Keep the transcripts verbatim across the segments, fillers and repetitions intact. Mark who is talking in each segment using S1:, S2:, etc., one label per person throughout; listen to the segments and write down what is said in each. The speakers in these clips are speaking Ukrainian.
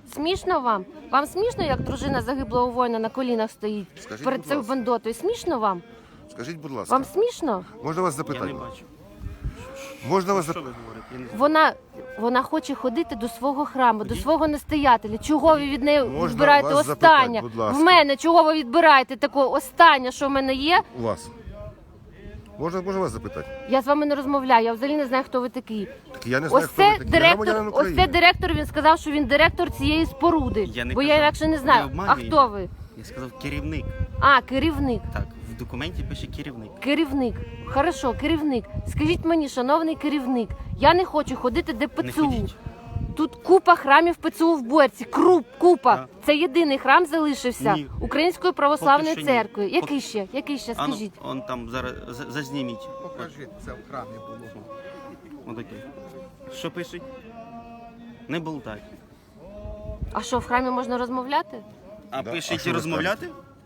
S1: Смішно вам? Вам смішно, як дружина загиблого воїна на колінах стоїть
S2: Скажіть,
S1: перед
S2: будь
S1: цією
S2: ласка.
S1: бандотою? Смішно вам?
S2: Скажіть, будь ласка,
S1: Вам смішно?
S2: можна вас
S3: Я не
S2: запитати?
S3: бачу.
S2: Можна вас
S3: Що
S2: запитати?
S3: ви говорите? Я не знаю.
S1: Вона, вона хоче ходити до свого храму, до свого настоятеля. Чого ви від неї
S2: Можна
S1: відбираєте
S2: вас
S1: останнє?
S2: запитати, будь ласка?
S1: В мене чого ви відбираєте таке останнє, що в мене є?
S2: У вас. Можна, можна вас запитати?
S1: Я з вами не розмовляю, я взагалі не знаю, хто ви такий.
S2: Так я не знаю,
S1: Ось
S2: хто ви
S1: це
S2: такі. Я
S1: директор,
S2: громадянин
S1: ось це
S2: України.
S1: директор, він сказав, що він директор цієї споруди.
S3: Я не
S1: бо я
S3: казав.
S1: інакше не
S3: Ви
S1: знаю. А
S3: обманюєте.
S1: хто ви?
S3: Я сказав керівник.
S1: А, керівник.
S3: Так, в документі пише керівник.
S1: Керівник. Хорошо, керівник. Скажіть мені, шановний керівник, я не хочу ходити до
S3: Не
S1: ПЦУ.
S3: ходіть.
S1: Тут купа храмів ПЦУ в Борці. Круп, купа.
S3: Так.
S1: Це єдиний храм залишився
S3: Ні.
S1: Української православної
S3: Поки що ні.
S1: церкви. Який
S3: Поки-
S1: ще? Який ще?
S3: А ну,
S1: Скажіть.
S3: он там зараз за- зазніміть.
S4: Покажіть, це в храмі було.
S3: Отакий. Що пишуть? Не болтай.
S1: А що, в храмі можна розмовляти?
S3: А
S2: Да, а
S3: пишуть
S2: що
S3: і
S2: ви
S3: розмовляти?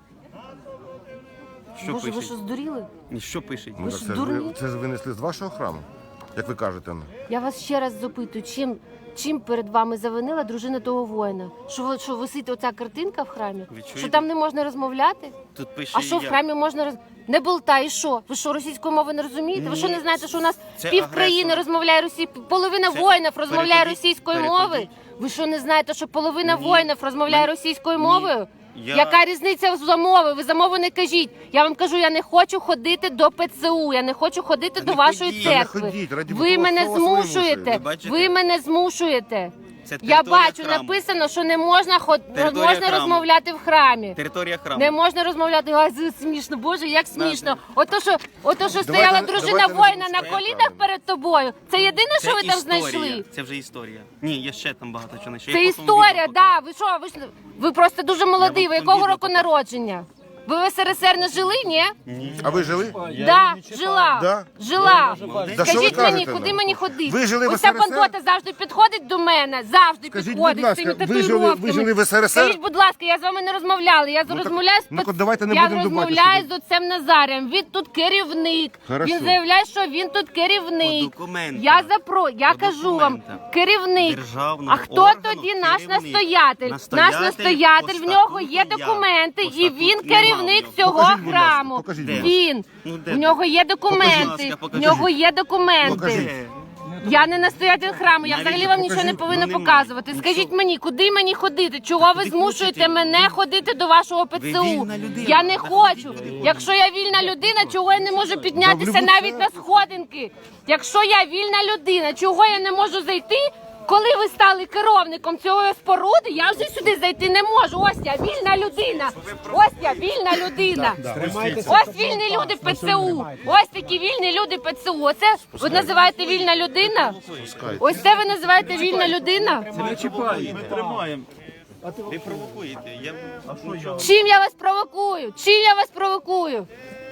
S3: Що
S1: Боже, ви
S3: пишуть?
S1: що, здуріли?
S3: Ні, що пишуть?
S2: Ну,
S1: Ви
S2: так
S1: ж
S2: це, ж
S1: дурні?
S2: ви, це ж винесли з вашого храму, як ви кажете. ну.
S1: Я вас ще раз запитую, чим, чим перед вами завинила дружина того воїна? Що, ви- що висить оця картинка в храмі?
S3: Ви чуєте?
S1: Що там не можна розмовляти?
S3: Тут пише
S1: А що в
S3: я.
S1: храмі можна роз... Не болтай, і що? Ви що, російської мови не розумієте? Ви що не
S3: Ні,
S1: знаєте, що у нас
S3: це
S1: пів країни
S3: агресор.
S1: розмовляє росі... половина
S3: Це-
S1: воїнів розмовляє
S3: перекладіть,
S1: російською
S3: перекладіть.
S1: мовою? Ви що не знаєте, що половина
S3: Ні.
S1: воїнів розмовляє
S3: Мен-
S1: російською
S3: Ні.
S1: мовою?
S3: Я-
S1: Яка різниця за мови? Ви за мову не кажіть. Я вам кажу, я не хочу ходити до ПЦУ, я не хочу ходити
S3: Та
S1: до
S3: не
S1: вашої
S3: ходіть. Та не
S1: церкви.
S2: ходіть, раді
S1: Ви
S2: Бога,
S1: мене
S2: хто вас вимушує?
S1: змушуєте.
S3: Ви бачите?
S1: Ви мене змушуєте.
S3: Це
S1: Я
S3: територія
S1: бачу,
S3: храму.
S1: написано, що не можна ход...
S3: Територія
S1: можна
S3: храму.
S1: розмовляти в храмі.
S3: Територія храму.
S1: Не можна розмовляти. Ай, це смішно, Боже, як смішно. Ото що, ото що
S2: Давайте-
S1: стояла дружина
S2: давайте не
S1: воїна на
S2: будемо
S1: колінах
S2: правильно.
S1: перед тобою. Це єдине,
S3: Це
S1: що ви там
S3: історія.
S1: знайшли.
S3: Це вже історія. Ні, є ще там багато чого знайшов.
S1: Це
S3: Я потім
S1: історія,
S3: відео
S1: да. Ви що, ви ж ви просто дуже молодий.
S3: Я
S1: Ви
S3: вам
S1: якого
S3: відео
S1: року
S3: покажу.
S1: народження? Ви в СРСР не жили, ні?
S2: А ви жили?
S1: Да, жила.
S2: Да?
S1: Жила.
S2: Да що ви
S1: Скажіть мені,
S2: кажете
S1: куди
S2: нам?
S1: мені ходити?
S2: Ви жили в
S1: Оця
S2: ес ер ес ер?
S1: бандота завжди підходить до мене, завжди
S2: Скажіть,
S1: підходить
S2: будь ласка,
S1: з цими
S2: ви жили- ви
S1: татуїровками.
S2: жили в ес ер ес ер?
S1: Скажіть, будь ласка, я з вами не розмовляла. Я
S2: так-
S1: розмовляю з
S2: ну-ка,
S1: пац-
S2: давайте не
S1: я
S2: будемо до
S1: розмовляю з
S2: батюшки.
S1: отцем Назарем. Він тут керівник.
S2: Хорошо.
S1: Він заявляє, що він тут керівник.
S3: По документах.
S1: Я запро, я
S3: По
S1: кажу вам,
S3: документах.
S1: керівник.
S3: Державного
S1: А хто
S3: органу
S1: тоді наш
S3: керівник.
S1: настоятель?
S3: Настоятель
S1: Наш настоятель,
S3: по
S1: в нього
S3: статуту
S1: є
S3: я.
S1: документи,
S3: По
S1: і
S3: статуту
S1: він
S3: нема
S1: керівник
S3: в нього.
S1: цього
S2: Покажіть, будь ласка,
S1: храму.
S2: покажіть,
S3: будь ласка.
S1: Він.
S3: Ну, де
S1: В
S3: ти?
S1: нього є документи.
S3: Покажіть.
S1: В нього є документи.
S2: Покажіть.
S3: Де?
S1: Я не настоятель храму, я
S3: Навіщо?
S1: взагалі вам нічого не
S2: Покажіть.
S1: повинна
S3: Ну, немає.
S1: показувати.
S3: Ну,
S1: Скажіть
S3: що?
S1: мені, куди мені ходити? Чого ви
S3: куди
S1: змушуєте
S3: хочете?
S1: мене
S3: Ви-
S1: ходити до вашого ПЦУ?
S3: вільна людина.
S1: Я не
S3: Ви
S1: хочу.
S3: ходіть, куди хочете.
S1: Якщо я вільна людина, чого я не можу піднятися
S2: любу
S1: навіть на сходинки? Якщо я вільна людина, чого я не можу зайти? Коли ви стали керівником цієї споруди, я вже сюди зайти не можу. Ось я вільна людина. Ось я вільна людина. Ось вільні люди ПЦУ. Ось такі вільні люди ПЦУ. Оце ви називаєте вільна людина? Ось це ви називаєте вільна людина?
S3: Ми тримаємо. Ви провокуєте. Я... Нічого.
S1: Чим я вас провокую? Чим я вас провокую?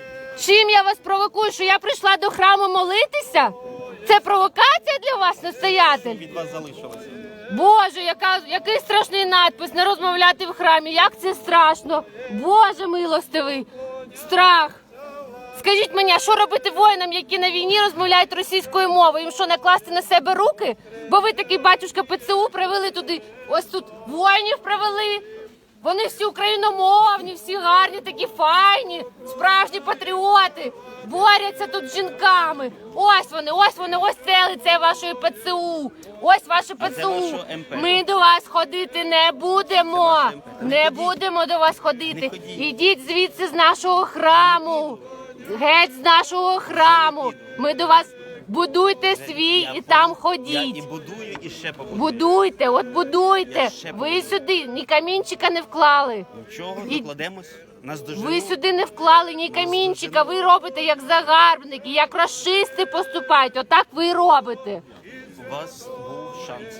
S1: Чим я вас провокую? Що я прийшла до храму молитися? Це провокація для вас, настоятель?
S3: Від вас залишилося.
S1: Боже, яка, який страшний надпис, не розмовляти в храмі, як це страшно. Боже милостивий, страх. Скажіть мені, а що робити воїнам, які на війні розмовляють російською мовою? Їм що, накласти на себе руки? Бо ви такий батюшка ПЦУ привели туди, ось тут воїнів привели. Вони всі україномовні, всі гарні, такі файні, справжні патріоти. Борються тут з жінками. Ось вони, ось вони, ось це лице вашої ПЦУ. Ось ваше
S3: А це
S1: ПЦУ.
S3: вашого ем пе.
S1: Ми до вас ходити не будемо.
S3: ваше ем пе.
S1: Не
S3: Ходіть.
S1: будемо до вас ходити.
S3: Не ходіть.
S1: Ідіть звідси з нашого храму. Геть з нашого храму. Ми до вас будуйте свій
S3: Я
S1: і там
S3: Я
S1: ходіть.
S3: і будую, і ще побудую.
S1: Будуйте, от будуйте.
S3: Я ще
S1: Ви
S3: буду.
S1: сюди ні камінчика не вклали.
S3: Нічого,
S1: І-
S3: докладемось. Нас доживуть.
S1: Ви сюди не вклали ні камінчика. Ви робите як загарбники, як расисти поступають. Отак ви і робите.
S3: У вас був шанс.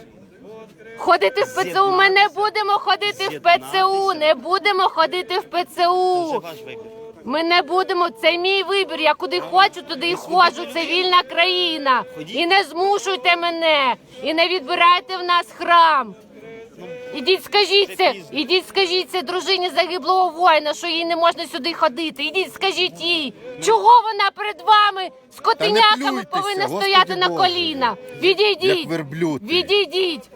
S1: Ходити в ПЦУ. Ми не будемо ходити в ПЦУ. Не будемо ходити в
S3: Це вже
S1: ПЦУ.
S3: ваш вибір.
S1: Ми не будемо. Це мій вибір. Я куди хочу, туди і ходжу. Це вільна країна. І не змушуйте мене. І не відбирайте в нас храм. Ідіть, скажіть це, ідіть, скажіть це дружині загиблого воїна, що їй не можна сюди ходити. Ідіть, скажіть їй, чого вона перед вами з котеняками
S2: плюйтеся,
S1: повинна
S2: Господи
S1: стояти на
S2: Боже.
S1: коліна. Відійдіть,
S2: Як верблюд ти.
S1: відійдіть.